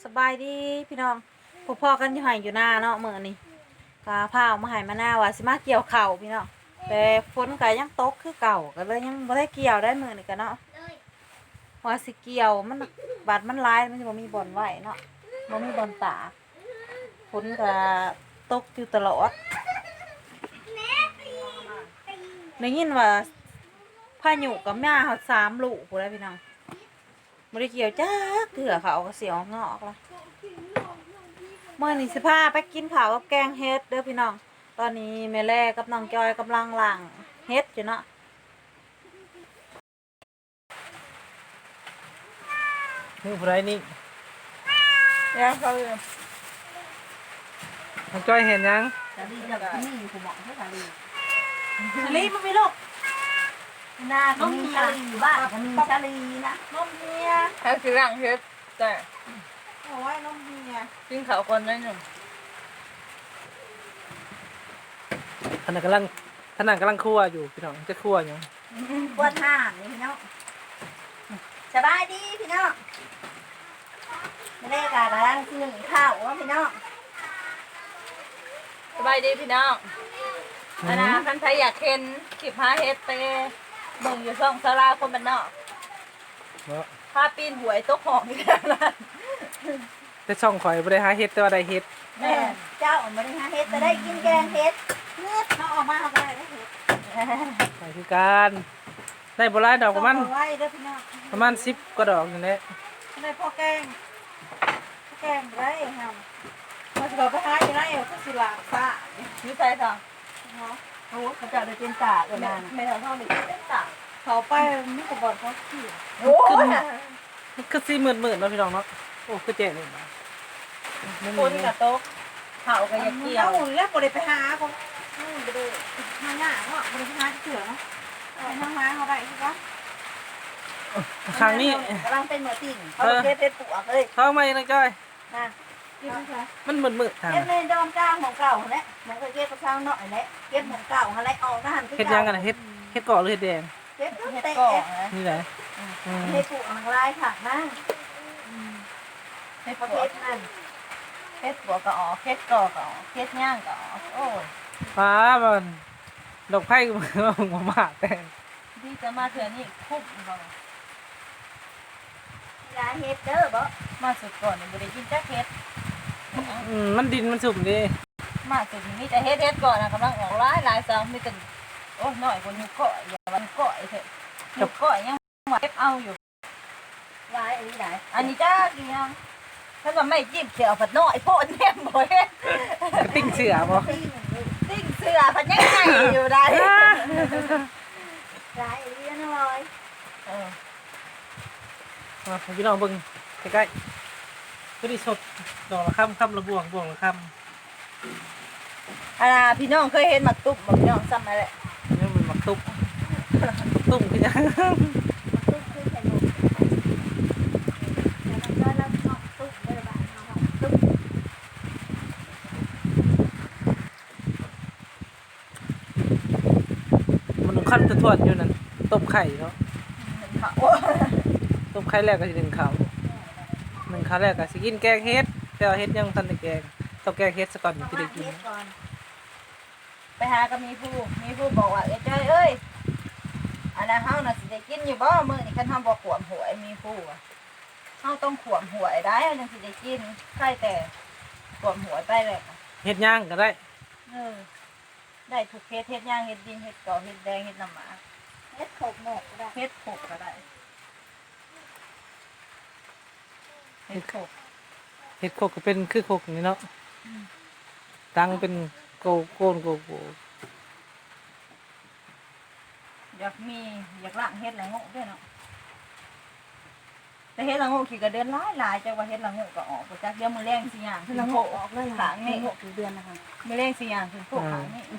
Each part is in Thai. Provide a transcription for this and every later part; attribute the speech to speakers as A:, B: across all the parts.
A: สบายดีพี่น้องพ่อกันอยู่ไห้อยู่หน้าเนาะมื้อนี้กาพาเอามาให้มาหน้าว่าสิมาเกี่ยวข้าวพี่น้องแต่ฝนก็ยังตกคือเก่าก็เลยยังบ่ได้เกี่ยวได้มื้อนี้ก็เนาะว่าสิเกี่ยวมันบาดมันหลายมันสิบ่มีบ่อนไว้เนาะบ่มีบ่อนตากฝนก็ตกอยู่ตลอดได้ยินว่าพายุกับแม่เฮา3 ลูกพู้นแหล้วพี่น้องบ่ได้เกี่ยวจักเถื่อเขาก็เสียวงอกละเมื่อนี้สิพาไปกินข้าวกับแกงเฮ็ดเด้อพี่น้องตอนนี้แม่แล่กับน้องจอยกำลังล้างเฮ็ดอยู่เนาะ
B: นี่ผู้ใดนี่
A: ยังเขาอยู่
B: น้องจ้อยเห็นยัง
A: จะดีจังนี่ผมบอกให้ค่ะลีมันมีลูกนาก็มีชาลีอยู่บ้านก็มีชาลีนะนมเฮีย
C: ถ้าคือร่างเฮ็ดแต่
A: โอ้ยนมเฮีย
C: กินข้าวก่อนได้หนึ่ง
B: ท่านนกำลังคั่วอยู่พี่น้องจะคั่วอยู่
A: ปวดห่างนี่พี่น้องสบายดีพี่น้องไม่ได้กะกำลังนึ่งข้าวว่าพี่น้อง
C: สบายดีพี่น้องอันนะท่านใครอยากเห็นคลิปหาเฮ็ดไปเบิ่งอยู่ช่องสาราคนบ้านนอก
B: เนาะ
C: พาปีนหวยตกห้องนี่แหละนะ
B: แต่ช่องข่อยบ่ได้หาเฮ็ดแต่ว่าได้เฮ็ด
A: แม่เจ้าไม่ได้หาเฮ็ดแต่ได้กินแกงเฮ็ดเนื้อเขาออกมาเขาก็ได้เฮ็ด
B: ไปคือการได้บ่หลายดอกประมาณ
A: ต้องเอาไว้เด้อพี่น้อง
B: 10กว่าดอกนี่แหละ
A: ได้พ่อแกงได้ครับมาสิเราไปหาอยู่ไหนก็สิลาซ่า
C: มีใส่ทอง
A: เนาะโอ้เขาจะได้เป็นตากันนาน
C: ไม่ทำท่องหนึ่งเต้นต่าง
A: เขาไปมีแต่บอลเขาขี่
C: โอ้ย
B: มันคือสิมืดๆเนาะพี่น้องเนาะโอ้คือแจ๋นี่บ่
C: คนกับโต๊ะเผากับยาเกี่ยว
A: เอาแล้วบ่ได้ไปหาเขาบ่ได้หาหน้าเนาะบ่ได้ไปหาเสือเนาะไปทางหาเขาได้คือว่า
B: ครั้งนี้
A: กำลังเป็นเหมือติ่งเขาเก็บเป็นปลวกเลย
B: เข้ามาอีกน้องจ้อย
A: นะกินไหมคะ
B: มันมืดๆทาง
A: เก็บในดอมกลางของเก่าแหละมันก็เก็บกระชังหน่อยแหละเก็บของเก่าอะไรออกทหาร
B: เฮ็ดยังกันน่ะเฮ็ดเกาะหรือเฮ็ดแดง
A: เก็บ
C: เฮ็ด
A: เตะ
C: ก่อนนะ
B: นี่แหละ
A: ให้ปลูกอังลายผักนะ
C: เฮ็ด
A: ประ
C: ป
A: เภ
C: ว
A: ทนั่น
C: เฮ็ดปวก็ออกเฮ็ดก่อก็ออกเฮ็ดย่างก็ออกโอ้ย
B: ฟ้ามันดอกไผ่ก็บ่มากแต่
C: ดีจะมาเถื่อนี่คุ้มบ่
A: ยาเฮ็ดเด้อบ่
C: มาสุดก่อนนี่บ่ได้กินจักเฮ็ด
B: มันดินมันสุ่มดิ
C: มาสุดนี่แต่เฮ็ดก่อนนะกำลังออกหลายซ้ำมีแต่โอ้น้อยกว่ายุคก่อยอย่าวันก่อยเถอะยุคก่อยยังว่าเก็บเอาอยู่
A: ลายอันนี้ได้
C: อันนี้จ้ากี่ยังถ้าว่าไม่จิ้มเสือผัดน้อยโพดแนมบ่เฮ็ด
B: กระติ้งเสือบ่
C: ติ้งเสือผัดยังไงอยู่ได้
A: ลายอันนี้นะลอย
C: เออ
B: มาให้พี่น้องเบิ่งใกล้ๆก็ดีสดดอกละค่ำละบวงละค่
C: อันน่ะพี่น้องเคยเห็นหมักตุ๊บบ่พี่น้องซ้ำนั่นแหละ
B: ำนี่มันมักตุบตุ้มคือยัง
A: ตุ๊กคือใส่หมวกแล้วก็แล้วตุ๊กเลยบ้านเฮาตุ๊ก
B: มันขั้นทวดๆอยู่นั่นต้มไข่เนาะ
C: โอ้
B: ต้มไข่แรกก็สิ1 ข้าว1 ข้าวแรกก็สิกินแกงเฮ็ดแต่ว่าเฮ็ดยังทันได้แกงต้องแกงเฮ็ดซะก่อนถึงจะได้กิน
A: ก่อน
C: ไปหาก็มีผู้บอกว่าเอ้ยจ้อยเอ้ยอันนั้นเฮาน่ะสิได้กินอยู่บ่มื้อนี้คันเฮาบ่ขวมหวยมีผู้ว่าเฮาต้องขวมหวยได้เฮาจังสิได้กินใช่แต่ขวมหวยไปเลย
B: เฮ็ดย่างก็ได้
C: เออได้ทุกเฮ็ดย่างเฮ็ดดินเฮ็ดกอเฮ็ดแดงเฮ็ดน้ำหมา
A: เฮ็ดโขกหมกก็ได้
C: เฮ็ดโขกก็ได้เฮ็ดโขก
B: เฮ็ดโคกก็เป็นคือโคกนี่เนาะตังเป็นโกโกนโกโก
C: อยากล้างเฮ็ดละโงกด้วยเนาะแต่เฮ็ดละโงกขี้ก็เดือนหลายจังว่าเฮ็ดละโงกก็ออกบ่จักเดี๋ยวมื้อแรงสิย่างขึ้น
A: เรา
C: โข
A: โง
C: ก
A: กออกเลย
C: ขางนี่
A: โงกถึงเดือนนะคะ
C: มื้อแรงสิย่างขึ้นโขกขางนี่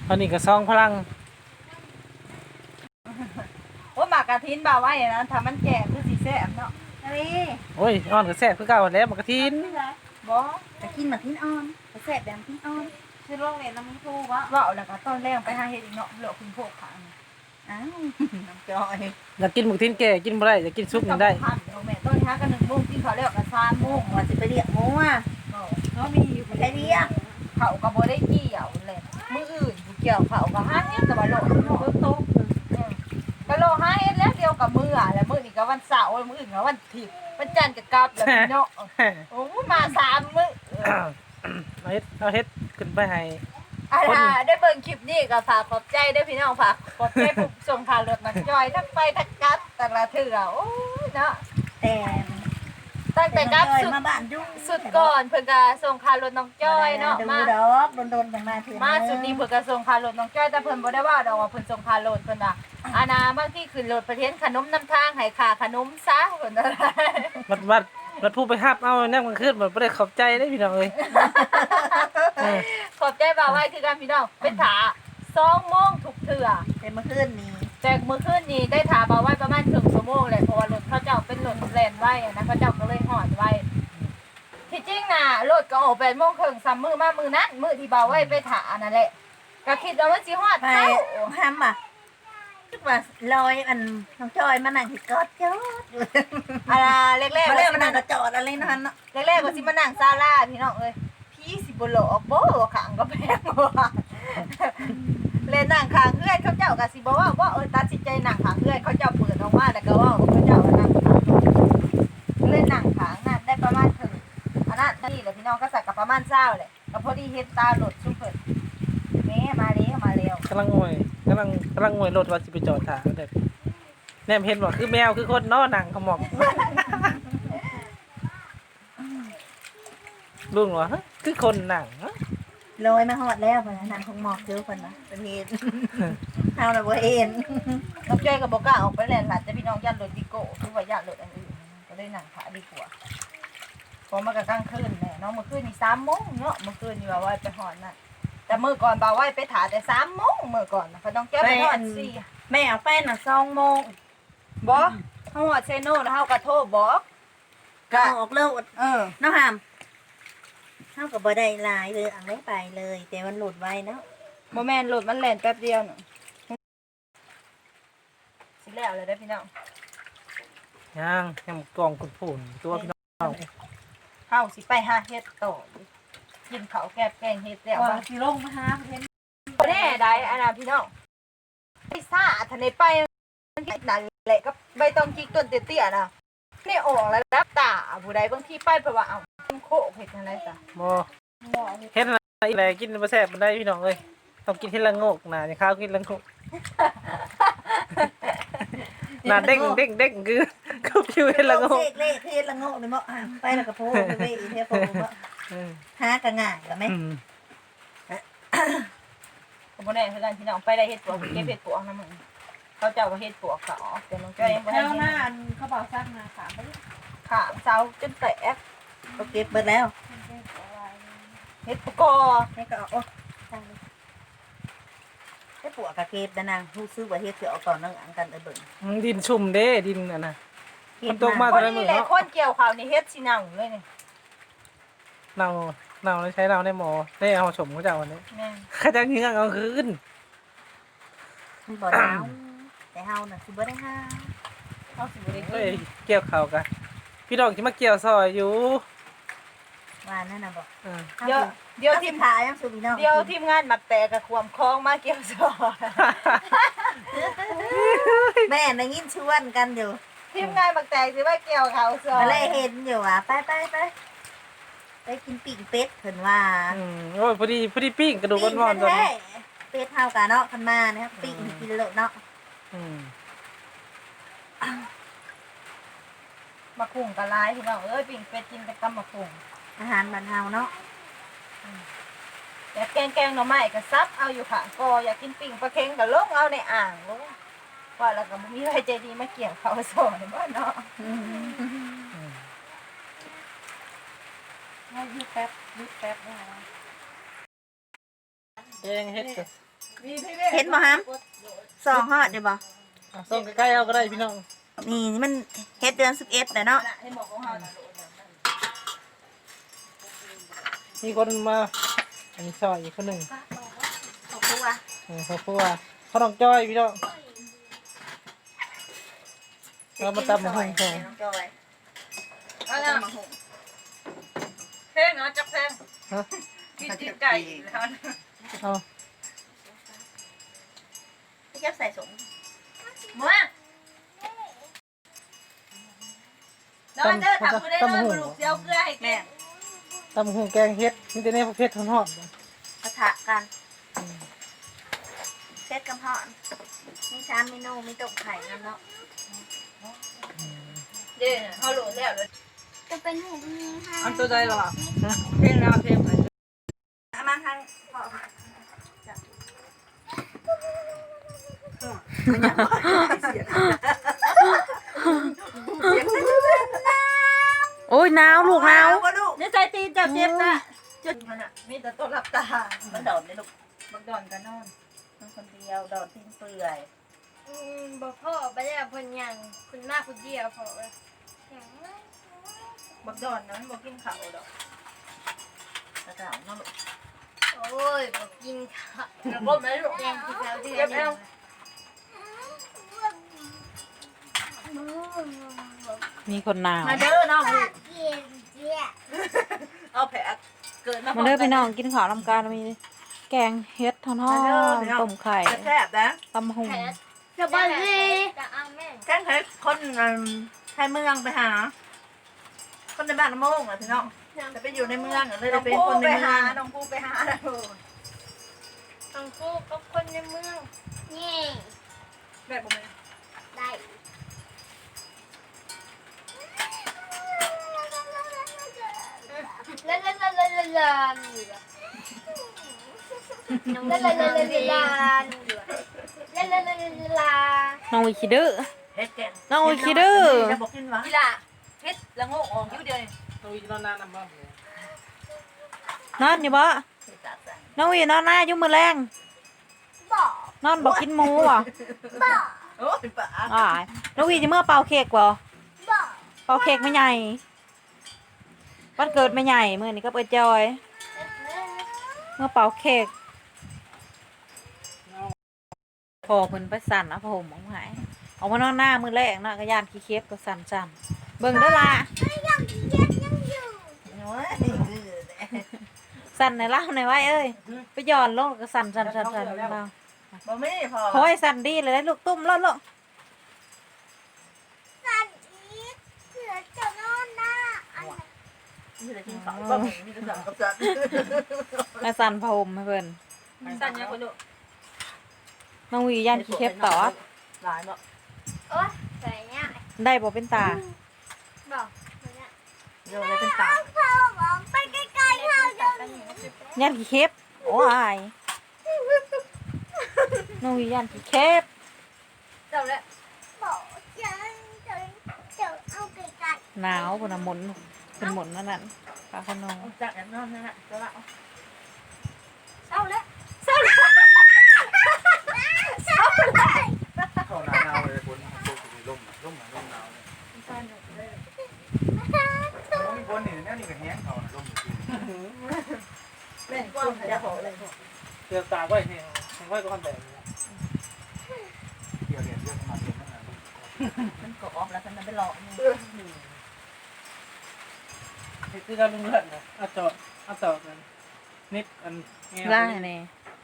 B: อันนี้ก็ซองพลัง
C: โอ้หมากกะทินบ่าวไว้นะถ้ามันแก่คือสิแซ่บเนาะนี่
B: โอ้ยอ่อนก็แซ่บคือเก่าแล้วมันกระทิน
C: บ่
A: จะกินหมากทิ้นอ่อนจะแซ่บแบบทิ้นอ่อนคือโรงเรียนน้ำมันทูวะ
C: เว้าแล้วก็ตอนแรกไปหาเฮ็ดอีกเนาะเหลือคุณโพกขัง
A: อ้าวน้ำจอย
B: อยากกินหมูกทินแก่กินบ่ได้อยากกินซุปนี่ได้
C: เดี๋ยวแม่ต้นหากัน1 โมงกินข้าวแล้วก็3 โมง
A: ว่าจะไปเรียกหมูอ่ะ
C: เขามีอยู่
A: ไปเรียก
C: เขาก็บ่ได้เกี่ยวเลยมื้ออื่นผู้เกี่ยวเขาก็หาเฮ็ดแต่ว่าโลกเนาะโตก็โลหาเฮ็ดแล้วเดียวกับมื้ออ่ะแล้วมื้อนี้ก็วันเสาร์มื้ออื่นก็วันอาทิตย์วันจันทร์ก็กลับแล้วพี่เนาะโอ้มา3 มื้อ
B: เอาเฮ็ดขึ้นไปให้
C: ได้เบิ่งคลิปนี้ก็ฝากขอบใจด้วยพี่น้องฝากขอบใจผู้ส่งข่าวรถนักจอยทั้งไปทั้งกลับแต่ละเถื่อโอ้ยเนาะ
A: แต่
C: ตั้งแต่กลับ
A: น้องจอย
C: สุด
A: มาบ้านยุ่ง
C: สุดก่อนเพิ่นก็ส่งข่าวรถน้องจอยเนาะ
A: ดู
C: มา
A: ดอกโดนๆอย่างมาเถื่อน
C: มาสุดนี้เพิ่นก็ส่งข่าวรถน้องจอยแต่เพิ่นบ่ได้ว่าดอกว่าเพิ่นส่งข่าวรถเพิ่นว่าอานาบางทีขึ้นรถประเทศขนมนำทางให้ค่าขนมซะเพิ่นว่า
B: วัดผู้ไปฮับเอาแนมกลางคืนบ่ได้ขอบใจได้พี่น้องเอ้ย
C: ขอบใจบ่าวไว้คือกันพี่น้องเป็นถา2 โมงทุกเถื่อ
A: แต่เมื่อคืนนี้
C: แต่มื้อคืนนี้ได้ถาบ่าวไว้ประมาณครึ่งชั่วโมงแหละเพราะว่ารถเขาเจ้าเป็นรถแล่นไว้อะนะเขาเจ้าก็เลยฮอดไว้ที่จริงน่ะรถก็ออก8 โมงครึ่งซ้ำมื้อมามื้อนั้นมื้อที่บ่าวไว้ไปถานั่นแหละก็คิดว่ามันสิฮอด
A: ไป
C: เช้า
A: ห้ามอ่ะคิดว่าลอยอันน้องจอยมานั่งที่กอดจอดอยู่
C: อะไรแรกๆ
A: มา
C: ว่า
A: เล่น
C: สิ
A: มา
C: มา
A: นั่
C: นั่
A: ง
C: ง
A: กระจอดอะไรนั่นเนาะ
C: แรกๆว่าสิมานั่งศาลาพี่น้องเอ้ยพี่สิบ่หลอกบ่ขังก็แพงว่ะเล่นนั่งข้างเพื่อนเขาเจ้าก็สิบ่ว่าตัดสินใจนั่งข้างเพื่อนเขาเจ้าเปิดออกมาแล้วก็ว่าเขาเจ้านั่งข้างเล่นนั่งข้างนั่นได้ประมาณถึงอันนั้นนี่แหละพี่น้องก็ใส่กับประมาณ20เลยก็พอดีเฮ็ดตาหลดซุ่มเพิ่นแม่มาแล้ว
B: กำลังงวยกำลังงวยรถว่าสิไปจอดท่าเด้อแนมเห็นบ่คือแมวคือคนเนาะหนังขมอกลุงว่าเฮ้ยคือคนหนังเนาะ
A: ลอยมาหอดแล้วพนักงานของหมอกเจอคนนะเป็นเห็นเอาละบ่เห็น
C: น้องจ้อยก็บ่กล้าออกไปแล่นหลานแต่พี่น้องย่านรถดิโก้คือว่าย่านรถอันอื่นก็เลยนั่งขาดีกว่าพอมาก็กลางคืนแน่เนาะเมื่อคืนนี่3 โมงเนาะเมื่อคืนนี่ว่าไปหอดนั่นแต่มื้อก่อนบ่าวไว้ไปถ่ายแต่3 โมงมื้อก่อนนะเพราะน้องจ้อยไปหอด4
A: แม่เอาแฟนน่ะ2 โมง
C: บ่เฮาฮอดเซโนแล้วเฮาก็โทรบอก
A: ก็ออกเร็ว
C: เออ
A: น้องหามเท่ากับบ่ได้หลายเลยอ่างได้ไปเลย แต่มันหลุดไว้เนาะ
C: บ่แม่นรถมันแล่นแป๊บเดียวน่ะสิแล้วเลยได้อพี่น้อง
B: ยังแฮมกองคุณผู้นตัวพี่น้อง
C: เฮาสิไปหาเฮ็ดต่อกินข้าวแกบแกงเฮ็ดแล้ว
A: ว่า
C: ว่า
A: สิลงมาหาเพิ่น
C: บ่แน่ได้อันน่ะพี่น้องไปซ่าทันได้ไปนั่นแหละก็ใบตองจิกต้นเตี้ยๆน่ะนี่ออกแล้วรับตาผู้ใดบางทีไปเพราะว่าเอ้าโคเฮ็ดจังได๋ซะ
B: บ่เฮ็ดอะไรอีแลกินบ่แซ่บบ่ได้พี่น้องเอ้ยต้องกินเฮ็ดละโงกน่ะอย่าข้าวกินละโงกน่ะเด้งคือผิวเฮ็ดละโงก
A: เสกเละเทศละโงกนี่บ่อ่ะไปแล้วก็โพไปเว้ยเทโพบ่
B: อืม
A: หาก็ง่ายก็แม่
C: ก็บ่แน่คือกันพี่น้องไปได้เฮ็ดปวกเก็บเฮ็ดปวกนำมึงเขาเจ้าว่าเฮ็ดปวกก็ออกแต่น้องจ้อยยังบ่ได้
A: แล้ว
C: เฮ็ด
A: หน้าอันเขาบอกซักมาถามไปดิ
C: ขามเซาจนแตก
A: ก็เก็บเบิดแล้ว
C: เฮ็ดปวกกอ
A: ให้ก็เอาโอ้จังเลยให้ปวกกะเก็บดานางรู้สึกว่าเฮ็ดสิเอาก่อนนั่งอังกันเบิ่ง
B: ดินชุ่มเด้ดินน่ะนะ
A: เฮ็ด
B: มันตกมา
C: คนนี้แหละคนเกี่ยวข้าวนี่เฮ็ดสินั่งเลยนี่
B: เนาใช้เนาในหมอได้เอาชมเขาเจ้าวันนี้
C: แม่น
B: เขาจะยิงเอาคืน
A: มันบ่ได้เอาแต่เฮาน่ะสิบ่ได้หา
C: เฮาสิบ่ได้กิ
B: เฮ้ย
C: น
B: เกี่ยวเขากันพี่น้องที่มาเกี่ยวซอยอยู่
A: ว่านั่นน่ะบ่
B: อืม
C: เดี๋ยวทีม
A: ขายยังสุพี่น้อง
C: เดี๋ยวทีมงานมักแต่กับความคล้องมาเกี่ยวซอย
A: แม่ได้ยินชวนกันอยู่
C: ทีมงานมักแต่สิว่าเกี่ยวเขาซอย
A: มาเลยเห็นอยู่อ่ะไปไปกินปิ้งเป็ดเพิ่นว่า
B: โอ้ยพอดีปิ้งกระดูกอ่อนๆตัว
A: แท้
B: นี้
A: ๆเป็ดเฮากันเนาะคันมานะครับปิ้งให้กินโลดเนาะ
B: อืม
C: มาคุ่งกะลายพี่น้องเอ้ยปิ้งเป็ดกินแต่กำมาคุ่ง
A: อาหารบ้านเฮาเนาะ
C: อยากแกงหน่อไม้ก็ซับเอาอยู่ค่ะก็อยากกินปิ้งปลาเค็งก็ลงเอาในอ่างลงว่าแล้วก็บ่มีใครใจดีมาเกี่ยวเขาซอยบ่เนาะ
A: ให้ยืดแป๊บนะ
B: แกงเฮ็ดกับ
C: เห็นบ่ฮัมสองฮอดเดี๋ยวบ่
B: ส่งใกล้ๆเอาก็ได้พี่น้อง
C: นี่มันเฮ็ดเดือน11แล้วเนาะ
B: มีคนมาอันนี้ซอยอีกคนหนึ่ง
C: ขอบคุณว่ะ
B: ครอบครัวเขาต้องจ้อยพี่น้องเรามาตำมาหุ่งสอง
C: น้องจอย
D: เอาละเพลงเอาจักเพลง
B: ฮะ
D: กินตีนไก่แล้ว
B: เอา
C: พี่แก้วใส่สง
D: มาแล้วมันเด้อทำกูได้เลยมาลูกเสียวเกลือให้แก
C: แม่
B: ตำหุ่งแกงเฮ็ดนี่แต่เนี่ยประเภททอด
C: ปะทะกันเซตกับห่อนมี3เมนูมีต้มไข่นำเนาะ
D: เด้อเขาโหลดแล้วเลย
E: จะเป็นหูมีค่ะ
D: อันตัวใดหรอเพลงแล้วเพลงไหน
C: เอามาทางพ่อ
A: โอ้ยหนาวลูกหนาว
C: นี่ใจตีนเจ็บเจ็บนะจุดมันอ่ะมีแต่ต้นรับตามันดอนเลยลูกมันดอนกันนอนมันคนเดียวดอนทิ้งเปลือย
E: บอกพ่อไปแล้วคนยังคุณมากคุณเดียวพอเลย
C: บักดอนนะมันบอกกินข้าวดอกกระเจ้าเนาะลูก
E: โอ้ยบอกกินข้าว
D: แล้วก็ไม่รู้
E: แกงกินแล้วเดือ
D: เก็บ
E: น
D: แล้ว
A: มีคนหนาว
C: มาเด้อน้อง
E: กินเจี๊ย
C: เอาแผลเกิดมา
A: มาเด้อพี่น้องกินข้าวลำการมีแกงเฮ็ดทอดต้มไข่
C: แซ่บนะ
A: ตำหุ่ง
E: แผลจะบ้าเลยจะเอาแม่
C: แจ้งให้คนไทยเมืองไปหา คนในบ้านน้ำโมงอ่ะพี่น้องจะไปอยู่ในเมืองเลยจะเป็นคนในเมืองน้องปูไปหาแล้ว
E: ทั้งคู่กับคนในเมืองนี่
D: แบบผม
E: ได้ลาลาลาลาลาลาลาลาลาลาลาลา
A: น้องวิคิดื้อ
C: เฮ็ดแกง
A: น้องวิคิดื้อ
C: จะบอกกินหวาน
D: กีฬาเฮ็ดละโงกออกอยู่เดียว
B: ตัวอีนอนนานนำบ้าง
A: นอนอยู่บ่น้องวินอนหน้ายุ่งมือแรง
E: บอก
A: นอนบอกกินหมูอ่ะ
E: บอก
C: โอ้ยป่า
A: อ่ายน้องวิจะเมื่อเป่าเค้กบ่
E: บอก
A: เป่าเค้กไม่ใหญ่วันเกิดไม่ใหญ่มื้อนี้ก็เปิดจอยเมื่อเป่าเค้กพอเพิ่นไปสั่นเอาผ้าห่มออกมาให้เอามานอนหน้ามื้อแรกเนาะก็ย่านขี้เค็บก็สั่นๆเบิ่งเด้อล่ะ
C: โอ้ย
A: สั่นในเล่าในอยไว้เอ้ยไปหย่อนลงก็สั่นสั่นสั่นสั่นเบา
C: บ่มีพอ
A: โอ้ยสั่นดีเลยนะลูกตุ้มลดลง
E: สันอีกเสือจะนอนหน้าอัน
C: มีแต่กินข้าวบ่มีแต่สั่งกับจัด
A: แม่สั่นผ้าห่มให้เพิ่น
D: สั่นยังคนดู
A: น้องวีย่านขี้เค็บต่อ
C: หลายบ่
E: โอ๊ยใส่เนี่ย
A: ได้บ่เป็นตา
E: บอกเนี่ย
C: โยเลยเป็นตา
E: พ่อบอกไปใกล้ๆเขาจะมี
A: ย่านขี้เค็บโอ้ยน้องวีย่านขี้เค็บ
D: เจ้าแล้ว
E: บอกจะเอาไกล
A: หนาวพุ่นน่ะหมุนเป็นหมุนนั่นน่ะปลาขนม
C: จัดแอนนอนนั่นแหละก็ละ
E: ๆเศร้าแล้ว
F: เข้าหนาวเลยฝนตกมีลมหนาวเลยต้องมีฝนนี่แน่นี่ก็แห้งเขาลมอยู่
C: แม่กว้างจะบอกเลย
B: เตือนตาไว้เนี่ยไว้ก็ทำแบบนี้
F: เกี่ยวเรียนเยอะมาเรียนตั้งนาน
C: มันก็ออกแล้วมันไปหลอกนี่
B: คือการลุงเลือดนะเอาจอดกันนิดอัน
A: ล่าแน่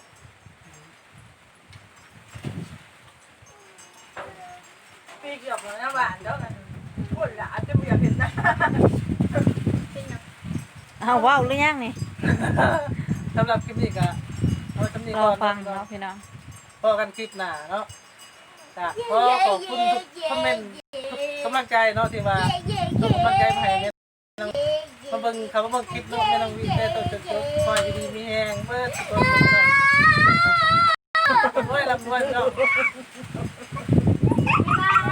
D: ปีเกือบแล้วหวานแล้วกันพูดละจะไม่อยากเห็นหน้า
A: เอาว้าวหรือยังนี่
B: สำหรับคลิปนี้ก็เอาคลิปนี้
A: ร
B: ก่
A: อ
B: อน
A: ฟังเนาะพี่น้อง
B: พอกันคลิปหน้าเนาะจ้ะขอขอบคุณทุกคอมเมนต์กำลังใจเนาะที่ว่าส่งกำลังใจมาให้แม่มาเบิ่งเขามาเบิ่งคลิปเนาะแม่น้องวินได้ตัวจบคอยดีๆมีแฮงเบิดทุกคนเนาะโอ้ยรับด้วยเนาะ
E: บ๊ายบาย